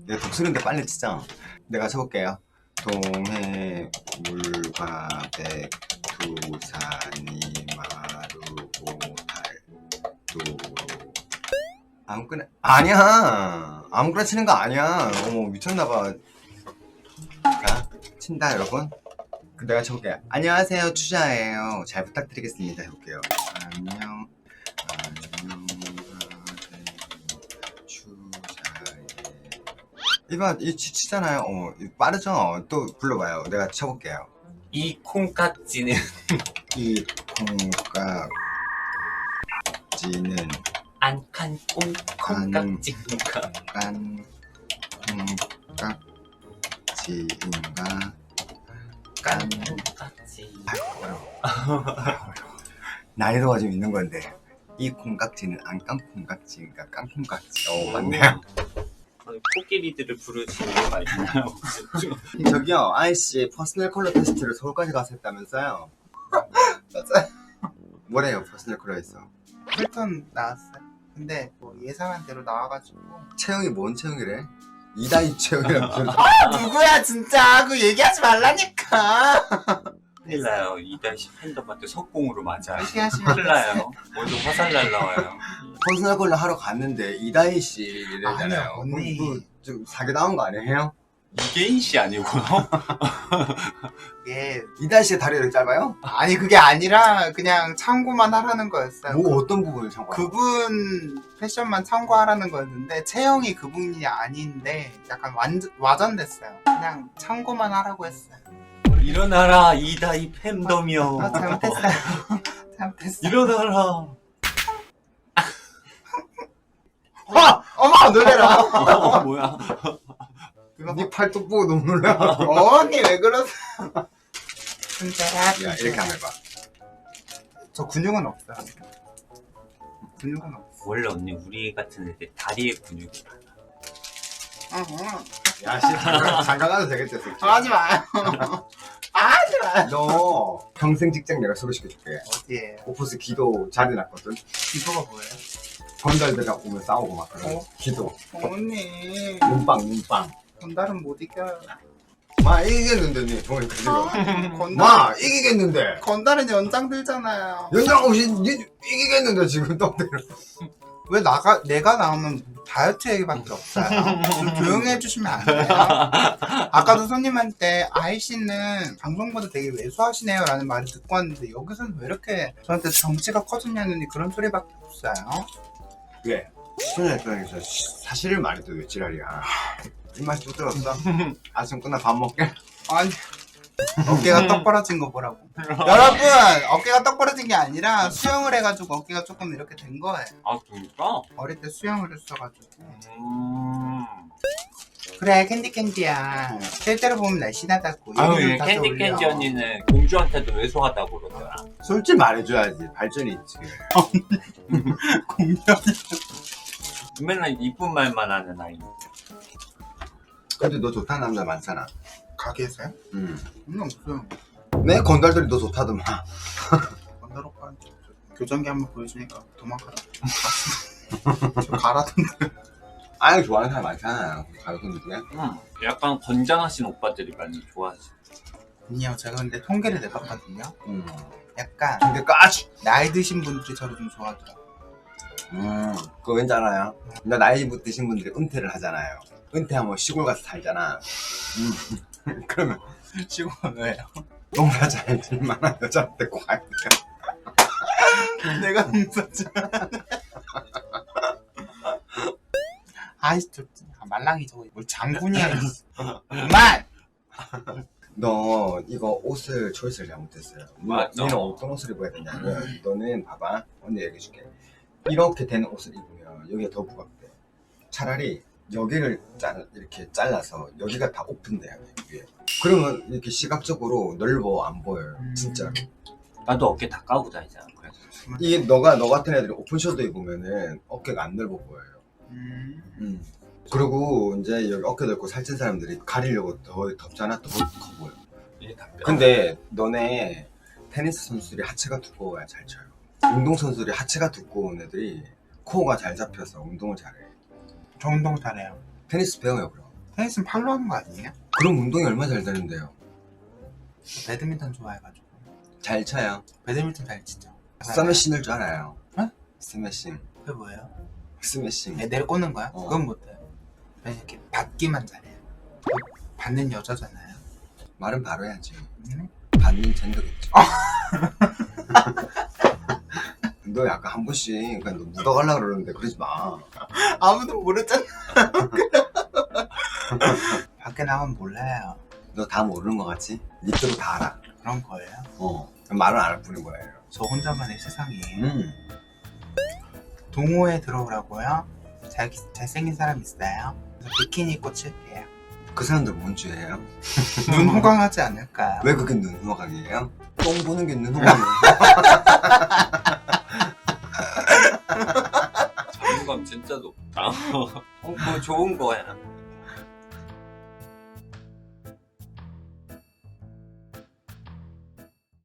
내가 독수리인데 빨리 치자. 내가 쳐볼게요. 동해 물과 백두산이 마르고 달도로. 아무거나. 아니야, 아무거나 치는 거 아니야. 어머, 미쳤나봐. 자, 친다 여러분. 내가 쳐볼게요. 안녕하세요, 추자예요. 잘 부탁드리겠습니다. 해볼게요. 안녕, 추자예. 이 치잖아요. 빠르죠? 또 불러봐요. 내가 쳐볼게요. 이 콩깍지는 이 콩깍지는 안칸 콩깍지인가? 깐 콩깍지인가? 깐 콩깍지. 난이도가 좀 있는 건데, 이 콩깍지는 안 깐 콩깍지인가? 깐 콩깍지. 맞네요. 코끼리들을 부르지 이유가 있나요? 저기요, 아이씨 퍼스널 컬러 테스트를 서울까지 가서 했다면서요? 맞아요. 뭐래요, 퍼스널 컬러에서? 풀톤 나왔어요. 근데 뭐 예상한 대로 나와가지고. 체형이 뭔 체형이래? 이다희 체형이랑 무슨. 누구야 진짜 그 얘기하지 말라니까. 큰일 나요. 이다시 팬덤한테 석공으로 맞아요. 무시하시면 큰일 나요. 오늘 화살 날라와요. 퍼스널 컬러 하러 갔는데 이다희 씨 이래잖아요. 아니요, 언니. 좀 사기 당한 거 아니에요? 이계인 씨 아니고요? 예. 이다희 씨의 다리가 이렇게 짧아요? 아니 그게 아니라 그냥 참고만 하라는 거였어요. 뭐 어떤 부분을 참고해요? 그분 패션만 참고하라는 거였는데 체형이 그분이 아닌데 약간 와전됐어요. 그냥 참고만 하라고 했어요. 일어나라 이다이 팬덤이여. 잘못했어요. 잘못했어요. 일어나라. 어머 놀래라. 뭐야? 네 팔뚝 보고 너무 놀라. 언니 왜 그러세요? 진짜 야, 이렇게 한번 해봐. 저 근육은 없어요. 근육은 없어. 원래 언니 우리 같은 애들 다리에 근육이 많아. 야, 씨, 잠깐 가도 되겠지, 새끼. 하지 마요. 하지 마요. 너 평생 직장 내가 소개시켜줄게. 어디에요? 오프스 기도 자리 났거든. 기도가 뭐예요? 건달들이랑 오면 싸우고 막 그래. 어? 기도. 언니 눈빵. 건달은 못 이겨요. 마, 이기겠는데, 니. 보니까 지금. 건달 마, 이기겠는데. 건달은 연장 들잖아요. 연장 없이 니 이기겠는데, 지금 떡대로. 왜 내가 나오면 다이어트 얘기밖에 없어요. 좀 조용히 해주시면 안 돼요? 아까도 손님한테 아이씨는 방송보다 되게 왜소하시네요 라는 말을 듣고 왔는데 여기서는 왜 이렇게 저한테 덩치가 커졌냐느니 그런 소리밖에 없어요. 왜? 시청자 입장에서 사실을 말해도 왜 지랄이야. 입맛 뚝 들었어? 아침 끝나 밥 먹게? 아니 어깨가 떡 벌어진 거 보라고. 여러분 어깨가 떡 벌어진 게 아니라 수영을 해가지고 어깨가 조금 이렇게 된 거예요. 아 진짜? 어릴 때 수영을 했어가지고. 그래 캔디야 실제로 보면 날씬하다고. 아유 얘기 좀 얘 다시 올려. 캔디 언니는 공주한테도 왜소하다고 그러더라. 솔직히 말해줘야지. 발전이 있지. 공연. 맨날 이쁜 말만 하는 아이. 근데 너 좋다는 남자 많잖아. 가게에서요? 없어요. 내 건달들이 너 좋다더만. 건달 오빠한테 교정기 한번 보여주니까 도망가라. 저 가라던데. 아예 좋아하는 사람 많잖아요. 가요분 중에. 약간 건장하신 오빠들이 많이 좋아하지. 아니요 제가 근데 통계를 내봤거든요. 약간 근데 까지. 나이 드신 분들이 저를 좀 좋아하더라고요. 그거 왠지 알아요? 나 나이 드신 분들이 은퇴를 하잖아요. 은퇴하면 시골 가서 살잖아. 그러면 시골은 왜요? 농사 잘 질만한 여자한테 과연. 내가 농사지. 아이씨 저 말랑이 저거 뭘 장군이야. 그만. 너 이거 옷을 초이스를 잘못했어요. 맞아. 너는 어떤 옷을 입어야 되냐면 너는 봐봐, 언니 얘기해줄게. 이렇게 된 옷을 입으면 여기가 더 부각돼. 차라리 여기를 이렇게 잘라서 여기가 다 오픈돼야 돼, 위에. 그러면 이렇게 시각적으로 넓어 안 보여요, 진짜로. 나도 어깨 다 까고 다니잖아. 그래서 이게 너 같은 애들이 오픈셔도 입으면은 어깨가 안 넓어 보여요. 그리고 이제 여기 어깨 넓고 살찐 사람들이 가리려고 더 덥잖아, 더 커 보여. 이게 다 뼈. 근데 너네 테니스 선수들이 하체가 두꺼워야 잘 쳐요. 운동 선수들이 하체가 두꺼운 애들이 코어가 잘 잡혀서 운동을 잘해. 저 운동 잘해요. 테니스 배워요, 그럼. 테니스는 팔로 하는 거 아니에요? 그럼 운동이 얼마나 잘 되는데요. 배드민턴 좋아해가지고. 잘 쳐요. 배드민턴 잘 치죠. 스매싱을 줄 알아요. 어? 스매싱. 그게 뭐예요? 스매싱. 내려 꽂는 거야? 어. 그건 못해요. 그냥 이렇게 받기만 잘해요. 받는 여자잖아요. 말은 바로 해야지. 응? 받는 젠더겠지. 너 약간 한 번씩 그냥 너 묻어가려고 그러는데 그러지 마. 아무도 모르잖아. 밖에 나가면 몰라요. 너 다 모르는 거 같지? 니들도 다 알아. 그런 거예요. 말은 안 할 뿐인 거예요. 저 혼자만의 세상이에요. 음. 동호회 들어오라고요? 잘생긴 사람 있어요? 그래서 비키니 입고 칠게요. 그 사람들 뭔 죄예요? 눈 호강하지 않을까요? 왜 그게 눈호강이에요? 똥 보는 게 눈호강이에요. 자존감 진짜 높다. 그거 좋은 거야.